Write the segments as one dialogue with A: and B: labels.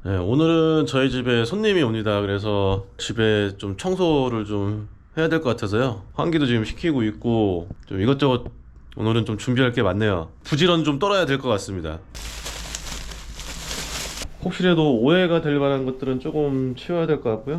A: 네, 오늘은 저희 집에 손님이 옵니다. 그래서 집에 좀 청소를 좀 해야 될 것 같아서요. 환기도 지금 시키고 있고 좀 이것저것 오늘은 좀 준비할 게 많네요. 부지런 좀 떨어야 될 것 같습니다. 혹시라도 오해가 될 만한 것들은 조금 치워야 될 것 같고요.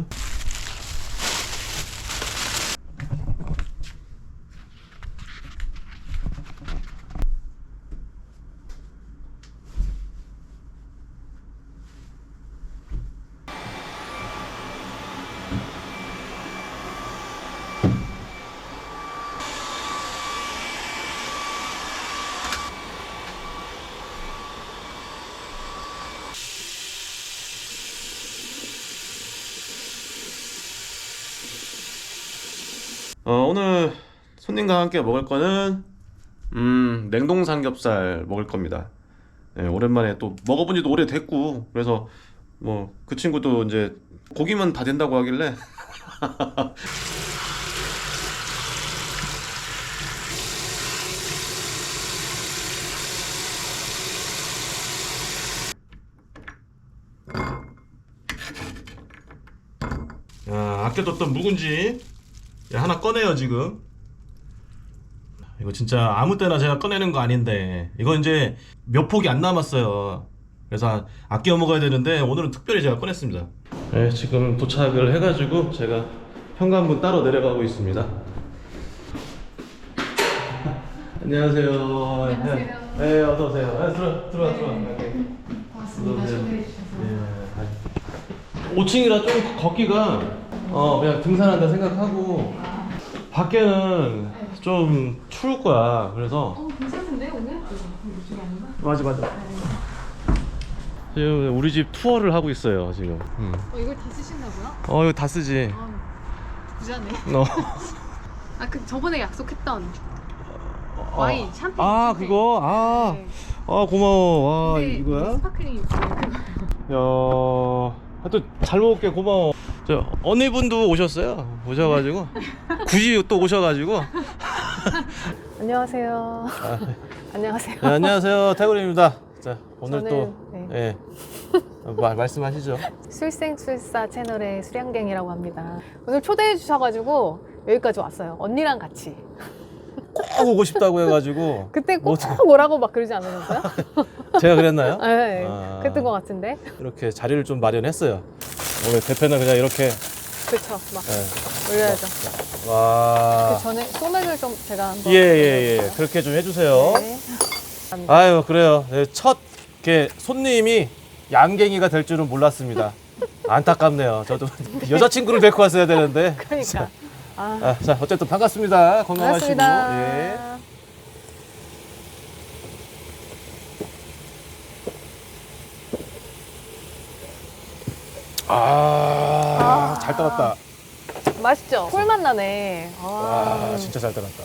A: 오늘 손님과 함께 먹을 거는 냉동 삼겹살 먹을 겁니다. 네, 오랜만에 또 먹어본 지도 오래됐고 그래서 뭐 그 친구도 이제 고기만 다 된다고 하길래 아껴뒀던 묵은지 하나 꺼내요 지금. 이거 진짜 아무 때나 제가 꺼내는 거 아닌데 이거 이제 몇 폭이 안 남았어요. 그래서 아껴 먹어야 되는데 오늘은 특별히 제가 꺼냈습니다. 네, 지금 도착을 해가지고 제가 현관문 따로 내려가고 있습니다. 안녕하세요.
B: 안녕하세요.
A: 네, 어서 오세요. 들어와.
B: 반갑습니다. 초대해 주셔서.
A: 5층이라 좀 걷기가 그냥 등산한다 생각하고 밖에는 좀 추울 거야. 그래서
B: 괜찮은데 오늘? 이쪽이 아닌가?
A: 맞아. 지금 우리 집 투어를 하고 있어요 지금.
B: 이걸 다 쓰신다고요?
A: 이거 다 쓰지.
B: 부자네.
A: 너.
B: 그 저번에 약속했던 와인 샴페인. 샴페인.
A: 그거.
B: 네.
A: 고마워. 와,
B: 근데
A: 이거야?
B: 스파클링 있어요.
A: 하여튼 잘 먹을게. 고마워. 저 언니분도 오셔가지고 굳이 또 오셔가지고.
C: 안녕하세요. 안녕하세요.
A: 네, 안녕하세요, 태굴입니다. 자, 오늘
C: 저는,
A: 또
C: 네.
A: 말씀하시죠.
C: 술생술사 채널의 수량갱이라고 합니다. 오늘 초대해 주셔가지고 여기까지 왔어요. 언니랑 같이.
A: 꼭 오고 싶다고 해가지고.
C: 그때 꼭 오라고 막 그러지 않으셨어요?
A: 제가 그랬나요?
C: 네, 그랬던 것 같은데.
A: 이렇게 자리를 좀 마련했어요. 오늘 대표는 그냥 이렇게.
C: 그쵸, 막
A: 네.
C: 올려야죠.
A: 와.
C: 그 전에 소맥을 좀 제가 한번.
A: 예. 그렇게 좀 해주세요.
C: 네.
A: 아유, 그래요. 네, 첫 손님이 양갱이가 될 줄은 몰랐습니다. 안타깝네요. 저도 여자친구를 데리고 왔어야 되는데.
C: 그러니까.
A: 자, 어쨌든 반갑습니다. 건강하시고.
C: 반갑습니다.
A: 예. 잘 따랐다.
C: 맛있죠? 꿀맛 나네.
A: 와, 진짜 잘 따랐다.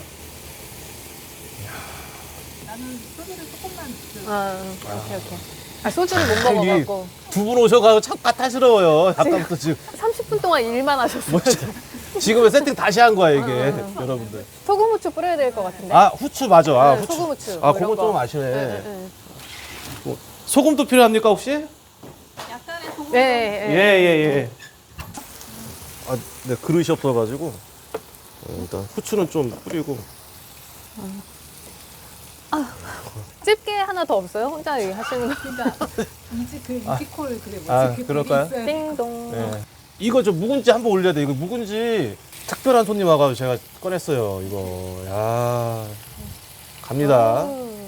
B: 나는 소주를 조금만.
C: 오케이. 소주를 못 먹어갖고.
A: 두 분 오셔가지고 참 까탈스러워요. 아까부터 지금.
C: 30분 동안 일만 하셨어요.
A: 지금은 세팅 다시 한 거야, 이게. 여러분들.
C: 소금 후추 뿌려야 될 것 같은데.
A: 후추 맞아.
C: 네,
A: 후추.
C: 소금 후추.
A: 그거 좀 아시네.
C: 네.
A: 소금도 필요합니까, 혹시?
B: 약간의 소금.
C: 네.
A: 예. 네, 그릇이 없어가지고 일단 후추는 좀 뿌리고.
C: 집게 하나 더 없어요? 혼자 여기 하시는 거.
B: 그러니까 이지콜 그래 뭐지?
A: 그럴까요?
C: 띵동.
A: 네. 이거 저 묵은지 한번 올려야 돼. 이거 묵은지 특별한 손님 와가지고 제가 꺼냈어요. 이거. 야, 갑니다.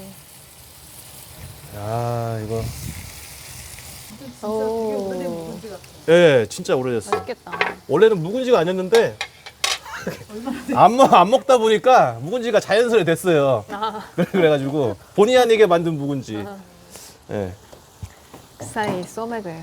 A: 야, 이거.
B: 진짜 되게 오래된 묵은지 같아.
A: 예, 진짜 오래됐어.
C: 맛있겠다.
A: 원래는 묵은지가 아니었는데 안 먹다 보니까 묵은지가 자연스레 됐어요. 그래가지고 본의 아니게 만든 묵은지. 예.
C: 그 사이 소맥을.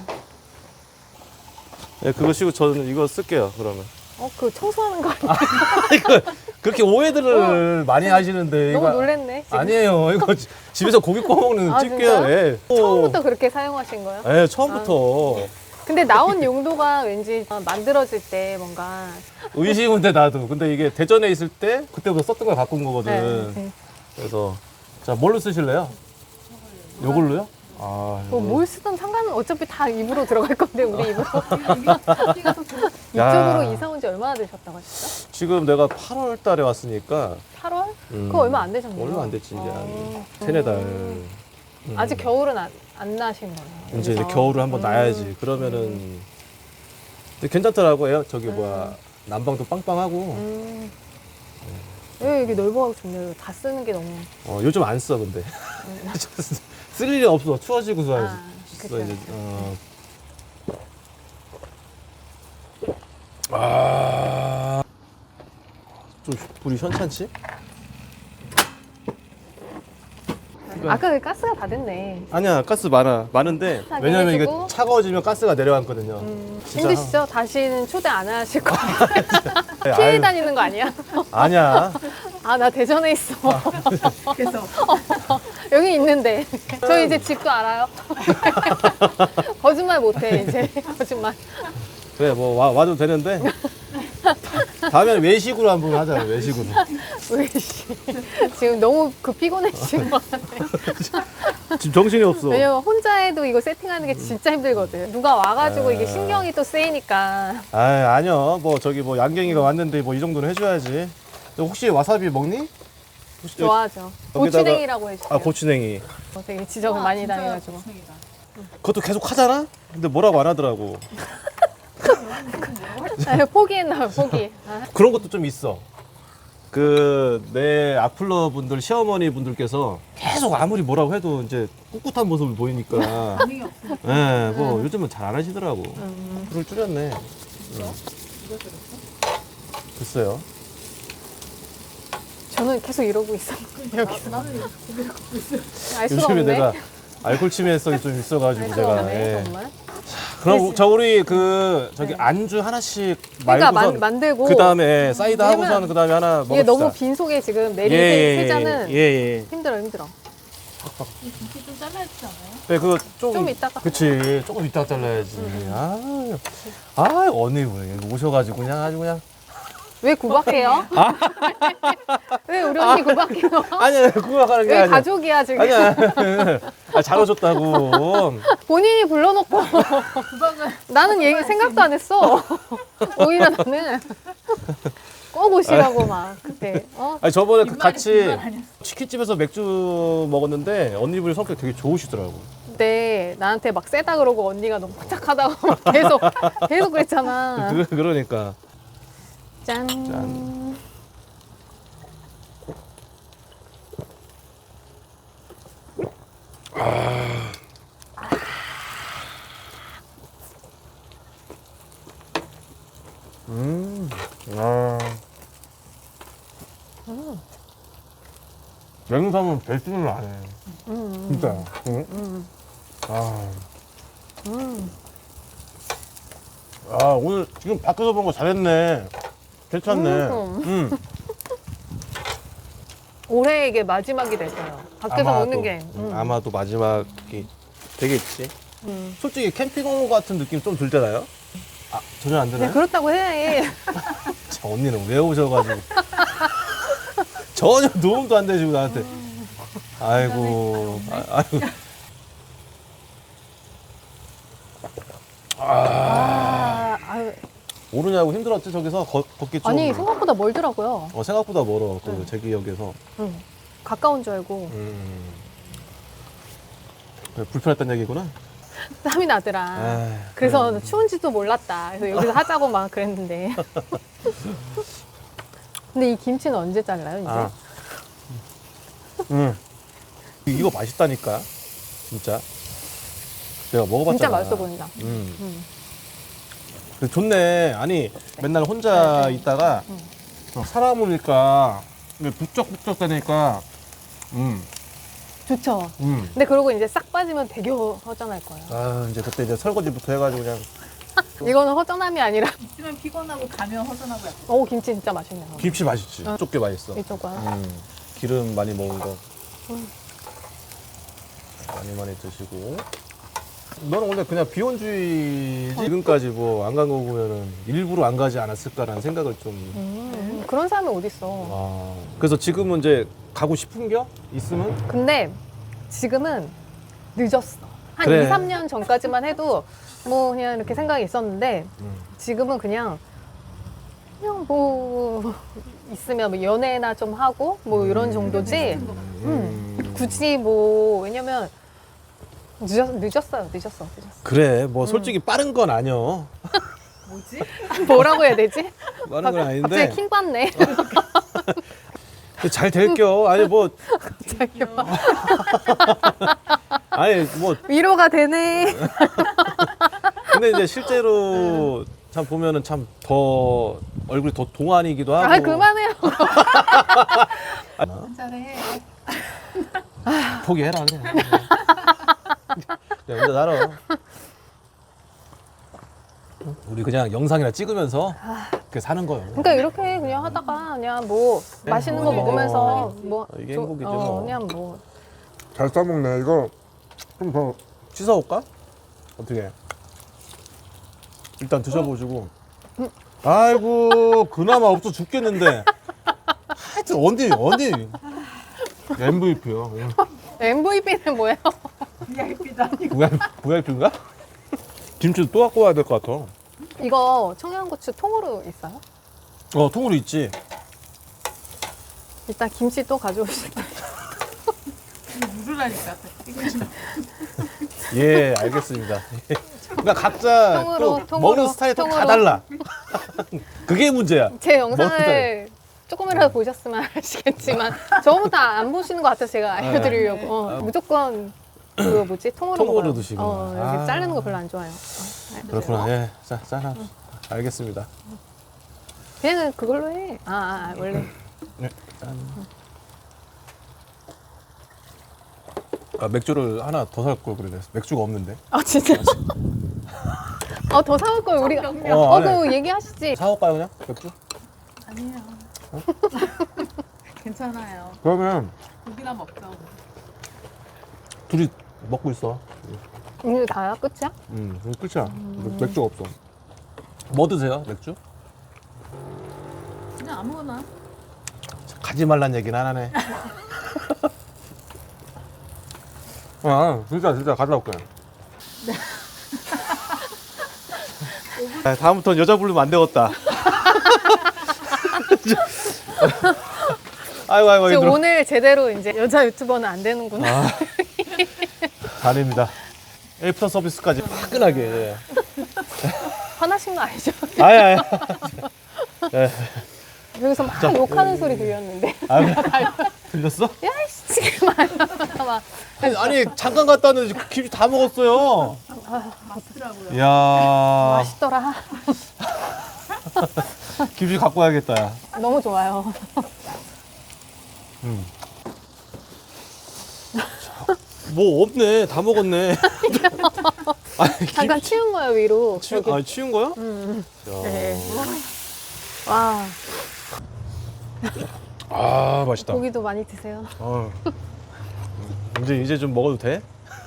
A: 예, 그거 쓰고 저는 이거 쓸게요. 그러면.
C: 그 청소하는 거 아니야?
A: 이거 그렇게 오해들을 많이 하시는데
C: 너무
A: 이거
C: 놀랬네. 지금.
A: 아니에요. 이거 집에서 고기 구워 먹는 집게요.
C: 진짜요?
A: 예.
C: 처음부터 그렇게 사용하신 거예요?
A: 예, 처음부터.
C: 근데 나온 용도가 왠지 만들어질 때 뭔가.
A: 의심은 돼 나도. 근데 이게 대전에 있을 때 그때부터 썼던 걸 갖고 온 거거든.
C: 네.
A: 그래서 자, 뭘로 쓰실래요? 요걸로요?
C: 뭘 쓰든 상관은 어차피 다 입으로 들어갈 건데 우리 입으로.
B: 여기가 더 좋아.
C: 이쪽으로 이사 온 지 얼마나 되셨다고 하셨죠?
D: 지금 내가 8월 달에 왔으니까
C: 8월? 그거 얼마 안 되셨네요.
D: 얼마 안 됐지 이제 한
C: 어.
D: 세네 달.
C: 아직 겨울은 안 나신 거네요.
D: 이제
C: 여기서.
D: 겨울을 한번 놔야지. 그러면은 근데 괜찮더라고요. 저기 뭐야 난방도 빵빵하고.
C: 여기 넓어가지고 좋네요. 다 쓰는 게 너무.
D: 요즘 안 써 근데 쓸 일이 없어. 추워지고서
C: 아,
D: 써
C: 그쵸.
D: 이제. 좀 불이 현찮지?
C: 아까 그 가스가 다 됐네.
D: 아니야 가스 많은데
C: 하긴
D: 왜냐면 이게
C: 해주고.
D: 차가워지면 가스가 내려앉거든요. 진짜
C: 힘드시죠? 다시는 초대 안 하실 거예요.
D: 네,
C: 피해
D: 아유,
C: 다니는 거 아니야?
D: 아니야.
C: 아, 나 대전에 있어.
B: 그래서
C: 여기 있는데. 저 이제 집도 알아요. 거짓말 못해, 이제. 거짓말.
D: 그래 뭐 와도 되는데 다음에는 외식으로 한번 하자. 외식으로.
C: 왜, 씨. 지금 너무 피곤해지신 거 같아.
D: 지금 정신이 없어.
C: 왜냐면 혼자 해도 이거 세팅하는 게 진짜 힘들거든. 누가 와가지고
D: 아.
C: 이게 신경이 또 쓰이니까.
D: 아니요. 뭐 저기 뭐 양갱이가 왔는데 뭐 이 정도는 해줘야지. 너 혹시 와사비 먹니? 혹시
C: 좋아하죠.
D: 여기다가-
C: 고추냉이라고 해주세요.
D: 고추냉이.
C: 되게 지적을 많이
B: 진짜
C: 당해가지고.
B: 고생이다.
D: 그것도 계속 하잖아? 근데 뭐라고 안 하더라고.
C: 아, 포기했나요, 포기. 아,
D: 그런 것도 좀 있어. 그 내 악플러 분들 시어머니 분들께서 계속 아무리 뭐라고 해도 이제 꿋꿋한 모습을 보이니까
B: 반응이 없어.
D: 예, 뭐 요즘은 잘 안 하시더라고. 불을 줄였네. 글쎄요.
C: 저는 계속 이러고 있어. 여기서.
B: 나는 고개를 걷고 있어.
C: 알 수가
D: 요즘에
C: 없네.
D: 내가 알코올 치매성이 좀 있어가지고
C: 알 수가
D: 제가.
C: 없네,
D: 예.
C: 정말.
D: 그럼 저 우리 그 저기 안주 하나씩
C: 그러니까
D: 말고선
C: 만들고.
D: 그 다음에 사이드
C: 왜냐면
D: 하고선 그 다음에 하나 먹읍시다.
C: 이게 너무 빈속에 지금 내린 세 잔은
D: 예.
C: 힘들어.
B: 이 김치 좀 잘라야 되지 않아요?
D: 네, 그거
C: 좀 이따가.
D: 그치, 조금 이따가 잘라야지. 언니 왜 오셔가지고 그냥 아주 그냥.
C: 왜 구박해요? 왜 우리 언니 구박해요?
D: 아니야, 그거 하는 게
C: 왜
D: 아니야.
C: 가족이야 지금?
D: 아니야. 잘 오셨다고.
C: 본인이 불러놓고
B: 구박을
C: 나는 얘기 생각도 안 했어. 오히려 나는 꼭 오시라고 막 그때.
D: 아니 저번에 그
B: 뒷말이
D: 같이
B: 뒷말 아니었어.
D: 치킨집에서 맥주 먹었는데 언니분이 성격 되게 좋으시더라고.
C: 그때 나한테 막 세다 그러고 언니가 너무 부탁하다고 막 계속 그랬잖아.
D: 그러니까.
C: 짠.
D: 짠. 냉삼은 배수는 안 해. 진짜. 응? 오늘 지금 밖에서 본 거 잘했네. 괜찮네.
C: 올해 이게 마지막이 될 거예요. 밖에서
D: 아마도.
C: 먹는 게.
D: 아마도 마지막이 되겠지.
C: 음.
D: 솔직히 캠핑 온 것 같은 느낌 좀 들잖아요. 전혀 안
C: 네,
D: 드나요?
C: 그렇다고 해.
D: 참, 언니는 왜 오셔가지고 전혀 도움도 안 되시고 나한테. 아이고, 아이고.
C: 아유,
D: 오르냐고 힘들었지 저기서 걷기 좀.
C: 아니 생각보다 멀더라고요.
D: 생각보다 멀어 그 제 기억에서.
C: 가까운 줄 알고
D: 그래, 불편했단 얘기구나.
C: 땀이 나더라.
D: 아이,
C: 그래서 추운지도 몰랐다. 그래서 여기서 하자고 막 그랬는데. 근데 이 김치는 언제 잘라요, 이제?
D: 이거 맛있다니까 진짜. 내가 먹어봤잖아.
C: 진짜 맛있어 보인다.
D: 근데 좋네. 아니 맨날 혼자 있다가 사람 오니까 북적북적 되니까
C: 좋죠. 근데 그러고 이제 싹 빠지면 되게 허전할 거예요.
D: 이제 그때 이제 설거지부터 해가지고 그냥
C: 이거는 허전함이 아니라.
B: 있으면 피곤하고 가면 허전하고 약간.
C: 오, 김치 진짜 맛있네요.
D: 김치 맛있지. 좁게 맛있어.
C: 이쪽 거.
D: 기름 많이 먹은 거 많이 드시고. 너는 원래 그냥 비혼주의지. 지금까지 뭐 안 간 거 보면은 일부러 안 가지 않았을까라는 생각을 좀.
C: 그런 사람이 어딨어.
D: 그래서 지금은 이제 가고 싶은 겨 있으면
C: 근데 지금은 늦었어. 한
D: 그래.
C: 2, 3년 전까지만 해도 뭐 그냥 이렇게 생각이 있었는데 지금은 그냥 뭐 있으면 뭐 연애나 좀 하고 뭐 이런 정도지. 굳이 뭐 왜냐면 늦었어.
D: 그래, 뭐 솔직히 빠른 건 아니여.
B: 뭐지?
C: 뭐라고 해야 되지?
D: 빠른 건 아닌데.
C: 갑자기 킹 받네.
D: 잘 될겨. 아니 뭐 아니 뭐
C: 위로가 되네.
D: 근데 이제 실제로 참 보면은 참 더 얼굴이 더 동안이기도 하고.
C: 아 그만해요.
B: 한잔해.
D: 포기해라 그래. 그냥 혼자 살아. 우리 그냥 영상이나 찍으면서 그렇게 사는 거예요.
C: 그러니까 이렇게 그냥 하다가 그냥 뭐 맛있는 거 먹으면서 뭐
D: 이게 행복이죠, 뭐.
C: 그냥 뭐
D: 잘 싸먹네. 이거 좀 더 씻어올까? 어떻게? 일단 드셔보시고. 아이고 그나마 없어 죽겠는데. 하여튼 어디 MVP요.
C: MVP는 뭐예요?
B: VIP다.
D: VIP인가? 김치도 또 갖고 와야 될 것 같아.
C: 이거 청양고추 통으로 있어요?
D: 통으로 있지.
C: 일단 김치 또 가져오실게요.
B: 물으라니까.
D: 예, 알겠습니다. 그러니까 각자
C: 통으로,
D: 또 먹는 스타일이 또 다 달라. 그게 문제야.
C: 제
D: 먹는
C: 영상을 조금이라도 보셨으면 아시겠지만 저부터 안 보시는 것 같아서 제가 알려드리려고 무조건 그 뭐지 통으로
D: 통으로
C: 먹어요.
D: 드시구나.
C: 이렇게
D: 아.
C: 자르는 거 별로 안 좋아해요.
D: 그렇구나. 예, 자, 알겠습니다.
C: 그냥 그걸로 해. 원래
D: 네, 짠. 맥주를 하나 더 살 걸 그래. 맥주가 없는데.
C: 진짜. 더 사올 걸 우리가.
D: 아니.
C: 그거 얘기하시지.
D: 사올까요 그냥 맥주?
B: 아니에요. 괜찮아요.
D: 그러면
B: 고기나 먹자.
D: 둘이 먹고 있어.
C: 이게 다야 끝이야?
D: 끝이야. 맥주가 없어. 뭐 드세요 맥주?
B: 그냥 아무거나.
D: 가지 말란 얘기는 안 하네. 진짜 가져다 올게. 다음부터는 여자 부르면 안 되겠다. 아이고
C: 지금
D: 힘들어.
C: 오늘 제대로 이제 여자 유튜버는 안 되는구나.
D: 아닙니다. 애프터 서비스까지 화끈하게.
C: 화나신 거 아니죠?
D: 아예.
C: 여기서 막 욕하는 소리 들렸는데.
D: 들렸어?
C: 야이씨 막.
D: 아니 잠깐 갔다 왔는데 김치 다 먹었어요.
B: 맛있더라고요.
D: 이야.
C: 맛있더라.
D: 김치 갖고 와야겠다. 야.
C: 너무 좋아요.
D: 뭐 없네. 다 먹었네. 아니,
C: 잠깐 치운 거예요 위로. 여기.
D: 치운 거야?
C: 네. 와
D: 아 맛있다.
C: 고기도 많이 드세요.
D: 이제 좀 먹어도 돼?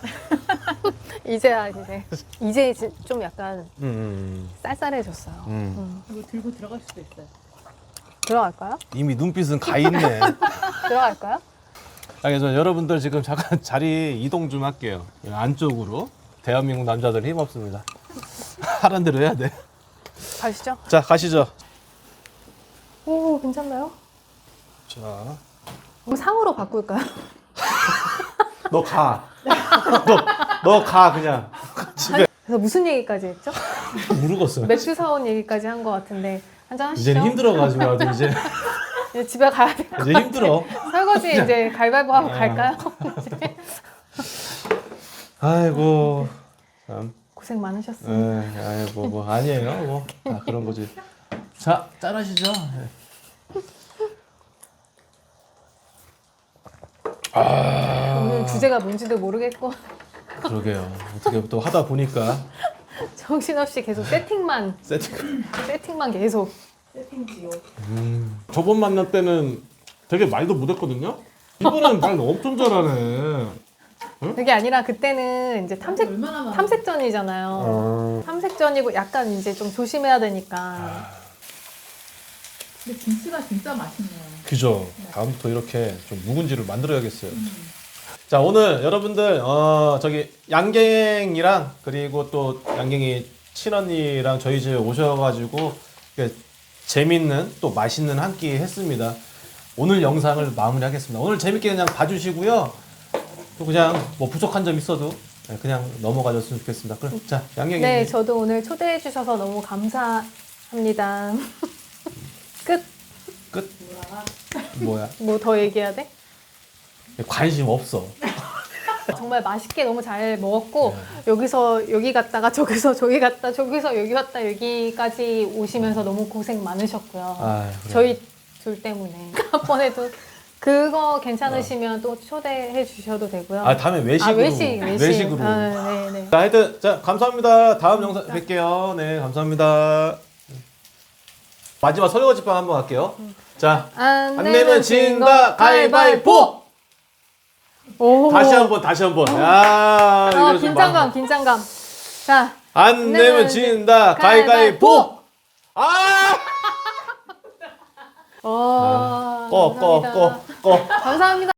C: 이제 좀 약간
D: 음.
C: 쌀쌀해졌어요.
B: 이거 들고 들어갈 수도 있어요.
C: 들어갈까요?
D: 이미 눈빛은 가 있네.
C: 들어갈까요?
D: 그래서 여러분들 지금 잠깐 자리 이동 좀 할게요. 안쪽으로. 대한민국 남자들 힘 없습니다. 하란 대로 해야 돼.
C: 가시죠.
D: 자 가시죠.
C: 오 괜찮나요?
D: 자,
C: 그럼 상으로 바꿀까요?
D: 너 가. 너 가 그냥. 집에.
C: 그래서 무슨 얘기까지 했죠?
D: 모르겠어요.
C: 맥주 사온 얘기까지 한 것 같은데 한잔 하시죠.
D: 이제는 힘들어가지고 나도 이제
C: 집에 가야 돼.
D: 이제 힘들어.
C: 설거지 이제 가위바위보 하고 갈까요?
D: 아이고 참.
C: 고생 많으셨습니다.
D: 아이고 뭐 아니에요 뭐 그런 거지. 자 짠하시죠.
C: 오늘 주제가 뭔지도 모르겠고
D: 그러게요. 어떻게 또 하다 보니까
C: 정신없이 계속 세팅만 계속.
B: 세팅지요.
D: 저번 만날 때는 되게 말도 못했거든요. 이번엔 말 엄청 잘하네.
C: 그게 아니라 그때는 이제
B: 얼마나 많아.
C: 탐색전이잖아요. 탐색전이고 약간 이제 좀 조심해야 되니까.
B: 근데 김치가 진짜 맛있네요.
D: 그죠. 다음부터 이렇게 좀 묵은지를 만들어야겠어요. 자, 오늘 여러분들 저기 양갱이랑 그리고 또 양갱이 친언니랑 저희 집에 오셔가지고 이렇게 재밌는 또 맛있는 한 끼 했습니다. 오늘 영상을 마무리하겠습니다. 오늘 재밌게 그냥 봐주시고요. 또 그냥 뭐 부족한 점 있어도 그냥 넘어가줬으면 좋겠습니다. 그럼 자, 양갱이.
C: 네, 저도 오늘 초대해 주셔서 너무 감사합니다. 끝.
D: 끝. 뭐야?
C: 뭐 더 얘기해야 돼?
D: 관심 없어.
C: 정말 맛있게 너무 잘 먹었고
D: 네.
C: 여기서 여기 갔다가 저기서 저기 갔다 저기서 여기 갔다 여기까지 오시면서 너무 고생 많으셨고요.
D: 아, 그래.
C: 저희 둘 때문에 한번에도 그거 괜찮으시면 또 초대해 주셔도 되고요.
D: 아, 다음에 외식으로. 외식으로.
C: 아, 네네.
D: 자, 하여튼 자, 감사합니다. 다음 영상 뵐게요. 네, 감사합니다. 마지막 설거지방 한번 갈게요. 자,
C: 안
D: 안 내면 진다 가위바위보.
C: 오.
D: 다시 한번. 야, 이거 좀
C: 긴장감, 긴장감. 자,
D: 안 내면 진다 가위바위보. 아!
C: 와,
D: 꺼.
C: 감사합니다.